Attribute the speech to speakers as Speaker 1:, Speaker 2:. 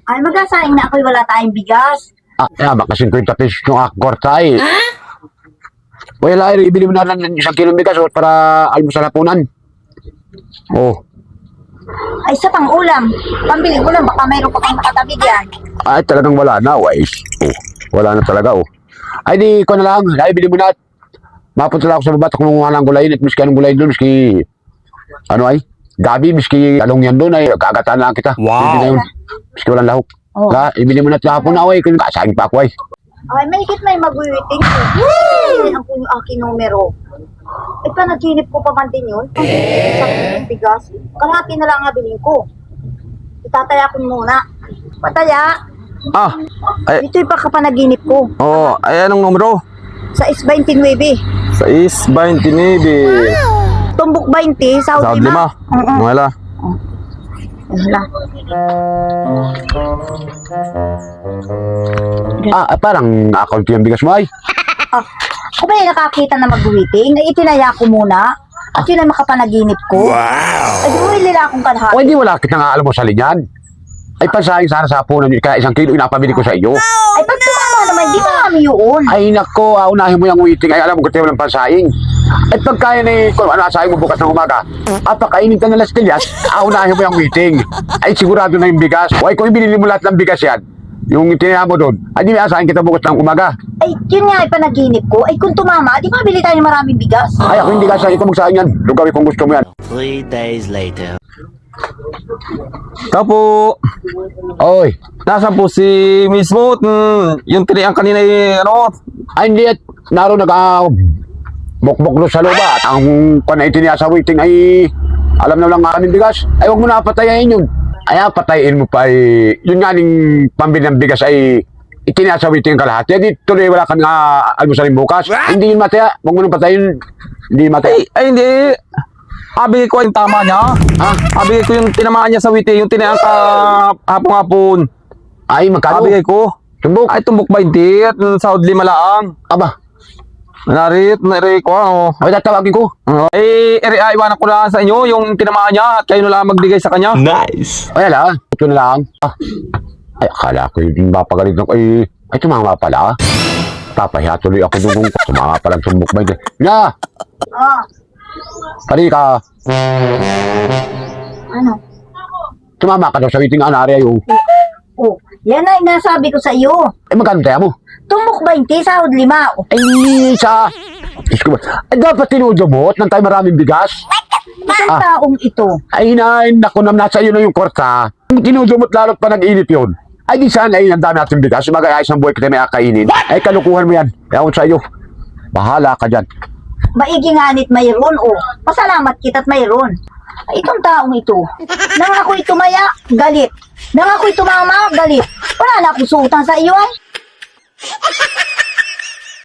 Speaker 1: Ay, mag-asaing na ako'y wala tayong bigas.
Speaker 2: Baka 50 pesos yung akwarta eh. Wala, ibili mo na lang ng 1 kilong bigas para almusal hapunan. Oh.
Speaker 1: Ay, sa pang-ulam. Pambili ulam, baka mayroon pa kang nakatabi diyan.
Speaker 2: Ay, talagang wala na, wais. Oh, wala na talaga, oh. Ay, di ko na lang. Ibili mo na at mapunta lang ako sa baba at kumuha ng gulayin at miski anong gulayin doon, miski ano ay, gabi, miski talong yan doon ay kagataan lang kita.
Speaker 3: Wow.
Speaker 2: Hindi na yun. Miski walang lahok.
Speaker 1: Oh.
Speaker 2: Ibili mo na at hapon na, ay, kasagin pa ako ay.
Speaker 1: Ay, may higit may mag-waiting ko. Ay, ang yung aking numero. Eh, panaginip ko pa man din yun. Sa aking bigas. Kalahati na lang nga bilhin ko. Itataya ko muna. Pataya.
Speaker 3: Ay,
Speaker 1: Ito yung pagkapanaginip ko.
Speaker 3: oh, ay anong numero?
Speaker 1: Sa S29.
Speaker 3: 629.
Speaker 1: Tumbok 20, South
Speaker 3: Sa 5.
Speaker 1: Lima.
Speaker 3: Wala.
Speaker 1: Wala.
Speaker 2: Parang account yung bigas mo ay.
Speaker 1: Kung ba nakakita na mag-waiting, ay itinaya ko muna. At yun ay makapanaginip ko. Ay, bumili lang akong kalahati.
Speaker 2: O hindi wala kita nga alam mo sa linyan. Ay pansahing sana sa hapunan yun. Kaya 1 kilo inapabili ko sa iyo.
Speaker 1: Ay, pag tumama naman, di ba kami yun?
Speaker 2: Ay nako, unahin mo yung waiting. Ay alam mo kung walang pansahing. At pagkaya na kung ano asahin mo bukas ng umaga, pakainin ka na las tilyas, unahin mo yung waiting. Ay sigurado na yung bigas. O ay kung ibinili mo lahat ng bigas yan, yung itinaya mo doon, ay di may asahin kita bukas ng umaga.
Speaker 1: Ay, yun nga ay panaginip ko. Ay, kung tumama, di ba bili tayo ng maraming bigas?
Speaker 2: Ay ako hindi ka sa ikaw magsahin yan. Lugawi kung gusto mo yan.
Speaker 4: 3 days later.
Speaker 3: Kapo,
Speaker 2: Oy,
Speaker 3: nasaan po si mismo? Yung tinayang kanina ano?
Speaker 2: ay hindi at naroon bukbok sa luba. At ang panaitinaya sa waiting ay alam na lang aming bigas. Ay huwag mo na patayain yun. Ay patayin mo pa ay yun nga ning pambili ng bigas ay itinaya sa waiting kalahati. Di tuloy wala kang almusalin bukas. Ay, hindi yun mataya. Huwag mo nang patayin. Hindi mataya.
Speaker 3: Ay hindi. Abigay ko yung tama niya. Abigay ko yung tinamaan niya sa witi, yung tinayang hapon-hapon.
Speaker 2: Ay magkano?
Speaker 3: Abigay ko.
Speaker 2: Tumbok.
Speaker 3: Ay, tumbok 20 at sa 5 lang.
Speaker 2: Aba.
Speaker 3: Narit ko, ano.
Speaker 2: Ay tatawagin ko.
Speaker 3: Iwanan ko na sa inyo yung tinamaan niya at kayo na lang magbigay sa kanya.
Speaker 4: Nice.
Speaker 2: Ay ala. Ito na lang. Ay akala ko yung mapagalit ng ay tumama pala. Papahiya tuloy ako nung tumama palang tumbok 20. Nga! Pari ka.
Speaker 1: Ano?
Speaker 2: Tumama ka daw sa waiting anari ayo.
Speaker 1: Oh, yan ay nasabi ko sa iyo.
Speaker 2: Ay magkano tayo mo?
Speaker 1: Tumbok 20, sahod 5.
Speaker 2: Ay sa... Ay dapat tinudumot nang tayo maraming bigas.
Speaker 1: Isang taong ito.
Speaker 2: Ay naku naman nasa iyo na yung kwarta. Tinudumot lalo't pa nag-init yun. Ay di sana ay ang dami natin bigas. Magayayos ng buhay kita may akainin. Ay kalukuhan mo yan. Ewan sa iyo. Bahala ka dyan.
Speaker 1: Maigi nganit mayroon, oh. Pasalamat kita't mayroon. Ay, itong taong ito. Nang ako'y tumaya, galit. Nang ako'y tumama, galit. Wala na akong suutang sa iyo, ay.